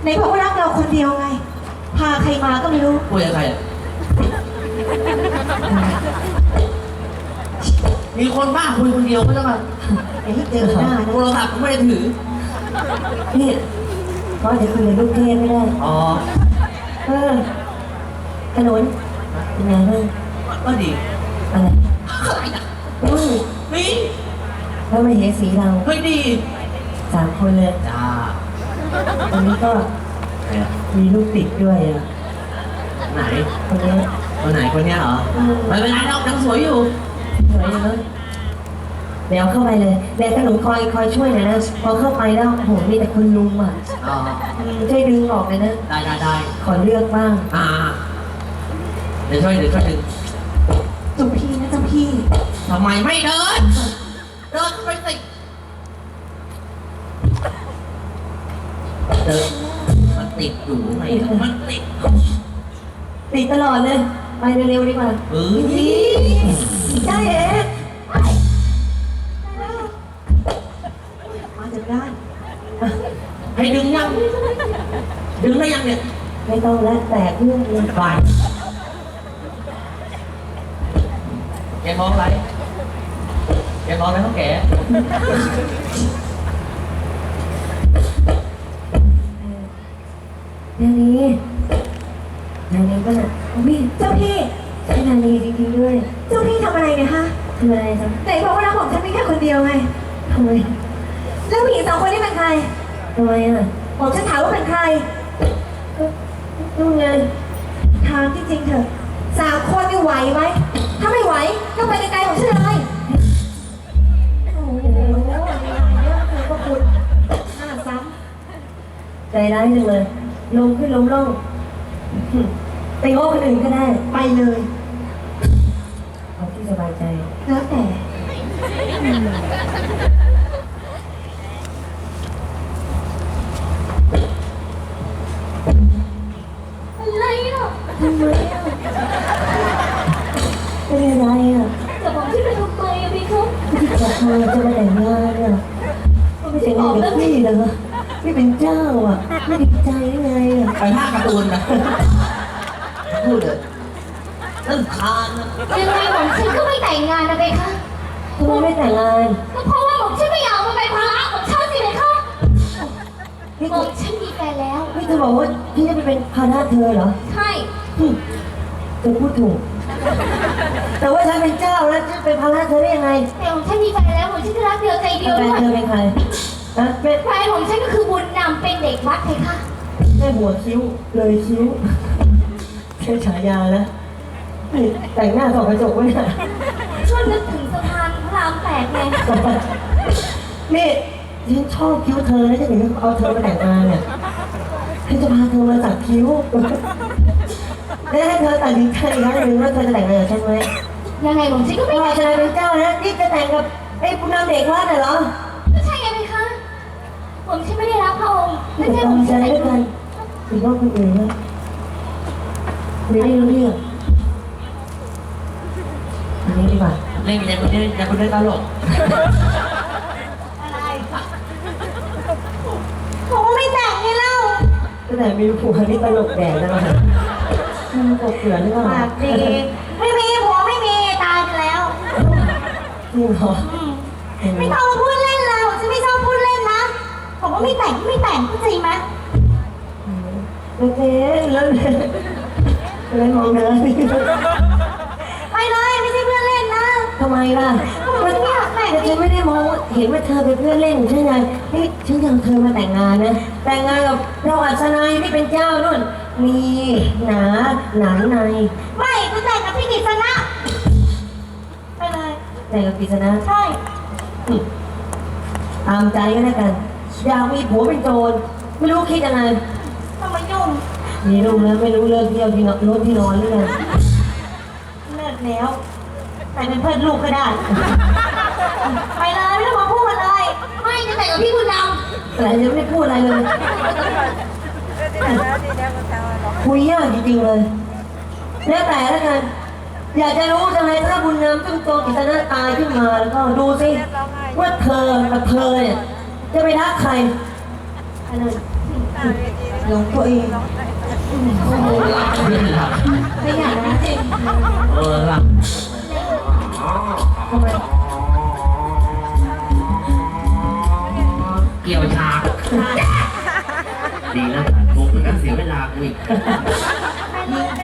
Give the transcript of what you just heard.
ในบอกว่ารักเราคนเดียวไงพาใครมาก็ไม่รู้คุยกับใครมีคนบ้าคุยคนเดียวก็จะมาไอ้ที่เจอหน้าโทรศัพท์ก็ไม่ได้ถือนี่เพราะจะคุยกับลูกเทพไม่ได้อ๋อขนุนเป็นไงบ้างก็ดีอะไรนี่แล้วไม่เห็นสีเราเฮ้ยดี 3 คนเลยจ้าตอนนี้ก็มีลูกติดด้วยอ่ะไหนคนนี้คนไหนคนเนี้ยเหรอไม่เป็นไรหรอกยังสวยอยู่สวยอยู่เลยเดี๋ยวเข้าไปเลยเดี๋ยวขนุนคอยช่วยหน่อยนะพอเข้าไปแล้วโหมีแต่คนลุมอ่ะช่วยดึงออกเลยนะได้ขอเลือกบ้างเดี๋ยวช่วยดึงจุ๊พี่นะเจ้าพี่ทำไมไม่เดินไปสิเดินมันติดอยู่ไงมันติดตลอดเลยไปเร็วๆดีกว่าได้เอ๋มาจากด้านให้ดึงได้ยังเนี่ยไม่ต้องแล้วแตกเรื่องเลยไปแกมองอะไรเขาแก่นานีก็น่ะเจ้าพี่ใช่นานีจริงๆด้วยเจ้าพี่ทำอะไรเนี่ยฮะทำอะไรจ๊ะไหนบอกว่ารักของฉันไม่แค่คนเดียวไงทำไมแล้วผู้หญิง2 คนนี้เป็นใครทำไมอ่ะบอกฉันถามว่าเป็นใครนู่นไงถามจริงๆเถอะ3 คนนี่ไหวไหมถ้าไม่ไหวก็ไปไกลๆของฉันเลยโอ้โหเนี่ยก็คุณหน้าซ้ำใจร้ายจังเลยลงขึ้นลงล่องไปโง่คนอื่นก็ได้ไปเลยเอาที่สบายใจแล้วแต่อะไรอ่ะทำไมอ่ะเป็นอะไรอ่ะจะบอกที่ไปทำไมอ่ะพี่เขาจะเธอจะมาแต่งงานเนี่ยไม่ใช่งานกับพี่เหรอพี่เป็นเจ้าอ่ะไม่ดีใจยังไงอ่ะไปภาคการ์ตูนนะพูดเลยนั่นทานยังไงผมฉันก็ไม่แต่งงานนะเบคะทำไมไม่แต่งงานก็เพราะว่าผมฉันไม่อยากมาเป็นภาระของฉันสิเบคะผมฉันมีแฟนแล้วพี่จะบอกว่าพี่จะไปเป็นภาระเธอเหรอใช่เธอพูดถูกแต่ว่าฉันเป็นเจ้าแล้วจะเป็นภาระเธอได้ยังไงแต่ผมฉันมีแฟนแล้วผมฉันจะรักเดียวใจเดียวด้วยแฟนเธอเป็นใครแฟนของฉันก็คือบุญนำเป็นเด็กวัดเบคะแค่หัวคิ้วเลยคิ้วแค่ฉายาแล้วแต่งหน้าส่องกระจกไว้น่ะช่วยนึกถึงสะพานพระราม8ไงนี่ฉันชอบคิ้วเธอแล้วจะถึงเอาเธอมาแต่งงานเนี่ยฉันจะพาเธอมาสักคิ้วแล้วให้เธอตัดสินใจอีกครั้งหนึ่งว่าเธอจะแต่งงานกับฉันไหมยังไงผมฉันก็ไม่ว่าจะเป็นเจ้านะนี่จะแต่งกับไอ้ผู้นำเด็กวัดเหรอไม่ใช่ไงไหมคะผมฉันไม่ได้รักพระองค์ไม่ใช่ผมฉันแต่งงานหรือว่าคนอื่นนะไม่ได้รู้เรื่องอันนี้ดีกว่าเล่นอย่างคนนี้ตลกอะไรผมไม่แต่งไงเล่าก็แต่มีผัวนี่ตลกแดดนะมันกบเกลือหรือเปล่าดีไม่มีผัวไม่มีตายไปแล้วจริงเหรอไม่ต้องมาพูดเล่นเลยผมจะไม่ชอบพูดเล่นนะผมว่าไม่แต่งเข้าใจไหมโอเคแล้วเลยมองเธอไปเลยไม่ใช่เพื่อนเล่นนะทำไมล่ะมันไม่อยากแต่งฉันไม่ได้มองเห็นว่าเธอเป็นเพื่อนเล่นใช่ไหมเฮ้ยฉันอยากเธอมาแต่งงานนะแต่งงานกับเราอัศนัยที่เป็นเจ้านู่นมีหนาในไม่จะแต่งกับพี่กฤษณะไปเลยแต่งกับกฤษณะใช่ตามใจก็แล้วกันอยากมีผัวเป็นโจรไม่รู้คิดยังไงทำไมยุ่งมีลูกแล้วไม่รู้เลิกเที่ยวที่รถที่นอนหรือไงเลิกแล้วแต่เป็นเพื่อนลูกก็ได้ไปเลยไม่ต้องมาพูดเลยไม่จะแต่งกับพี่บุญนำแต่ยังไม่พูดอะไรเลยคุยยากจริงๆเลยแล้วแต่แล้วกันอยากจะรู้จังเลยถ้าบุญนำจุ้งโจกิษณะตายขึ้นมาแล้วก็ดูสิว่าเธอกับเธอเนี่ยจะไปรักใครหลงตัวเองเรื่องหลับขยันนะจริงหลับทำไมเกี่ยวฉากดีนะงงเหมือนกันเสียเวลากูอีก